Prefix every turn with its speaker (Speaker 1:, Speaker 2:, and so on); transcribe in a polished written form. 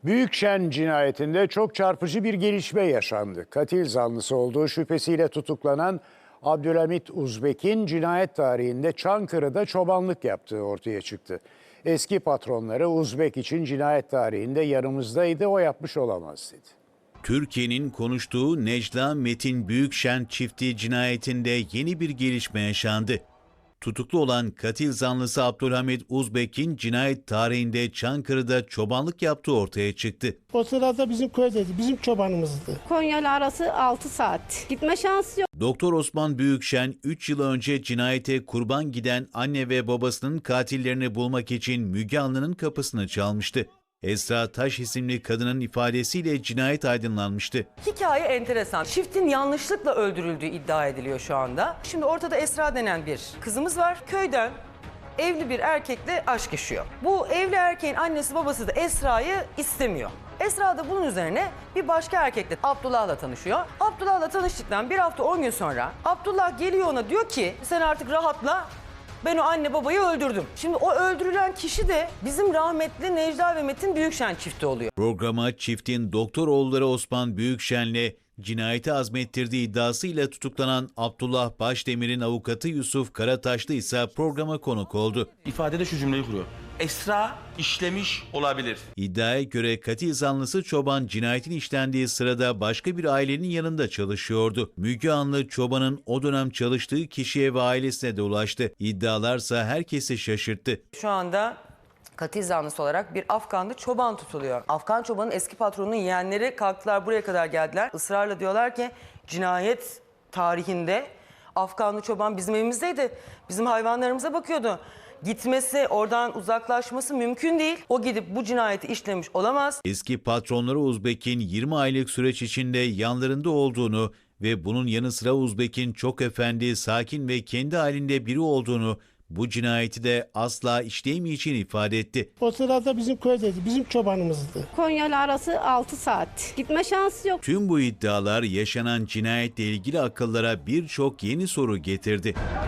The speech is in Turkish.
Speaker 1: Büyükşen cinayetinde çok çarpıcı bir gelişme yaşandı. Katil zanlısı olduğu şüphesiyle tutuklanan Abdülhamit Uzbek'in cinayet tarihinde Çankırı'da çobanlık yaptığı ortaya çıktı. Eski patronları Uzbek için cinayet tarihinde yanımızdaydı, o yapmış olamaz dedi.
Speaker 2: Türkiye'nin konuştuğu Necla Metin Büyükşen çifti cinayetinde yeni bir gelişme yaşandı. Tutuklu olan katil zanlısı Abdülhamit Uzbek'in cinayet tarihinde Çankırı'da çobanlık yaptığı ortaya çıktı.
Speaker 3: O sırada bizim köydeydi, bizim çobanımızdı.
Speaker 4: Konya'yla arası 6 saat. Gitme şansı yok.
Speaker 2: Doktor Osman Büyükşen 3 yıl önce cinayete kurban giden anne ve babasının katillerini bulmak için Müge Anlı'nın kapısını çalmıştı. Esra Taş isimli kadının ifadesiyle cinayet aydınlanmıştı.
Speaker 5: Hikaye enteresan. Çiftin yanlışlıkla öldürüldüğü iddia ediliyor şu anda. Şimdi ortada Esra denen bir kızımız var. Köyden evli bir erkekle aşk yaşıyor. Bu evli erkeğin annesi babası da Esra'yı istemiyor. Esra da bunun üzerine bir başka erkekle, Abdullah'la tanışıyor. Abdullah'la tanıştıktan bir hafta 10 gün sonra Abdullah geliyor ona, diyor ki sen artık rahatla. Ben o anne babayı öldürdüm. Şimdi o öldürülen kişi de bizim rahmetli Necla ve Metin Büyükşen çifti oluyor.
Speaker 2: Programa çiftin doktor oğulları Osman Büyükşen'le cinayeti azmettirdiği iddiasıyla tutuklanan Abdullah Başdemir'in avukatı Yusuf Karataşlı ise programa konuk oldu.
Speaker 6: İfadede şu cümleyi kuruyor. Esra işlemiş olabilir.
Speaker 2: İddiaya göre katil zanlısı çoban cinayetin işlendiği sırada başka bir ailenin yanında çalışıyordu. Müge Anlı çobanın o dönem çalıştığı kişiye ve ailesine de ulaştı. İddialarsa herkesi şaşırttı.
Speaker 5: Şu anda katil zanlısı olarak bir Afganlı çoban tutuluyor. Afgan çobanın eski patronunun yeğenleri kalktılar, buraya kadar geldiler. Israrla diyorlar ki cinayet tarihinde Afganlı çoban bizim evimizdeydi. Bizim hayvanlarımıza bakıyordu. Gitmesi, oradan uzaklaşması mümkün değil. O gidip bu cinayeti işlemiş olamaz.
Speaker 2: Eski patronları Uzbek'in 20 aylık süreç içinde yanlarında olduğunu ve bunun yanı sıra Uzbek'in çok efendi, sakin ve kendi halinde biri olduğunu, bu cinayeti de asla işleyemeyeceğini ifade etti.
Speaker 3: O sırada bizim köydeydi, bizim çobanımızdı.
Speaker 4: Konya'yla arası 6 saat. Gitme şansı yok.
Speaker 2: Tüm bu iddialar yaşanan cinayetle ilgili akıllara birçok yeni soru getirdi.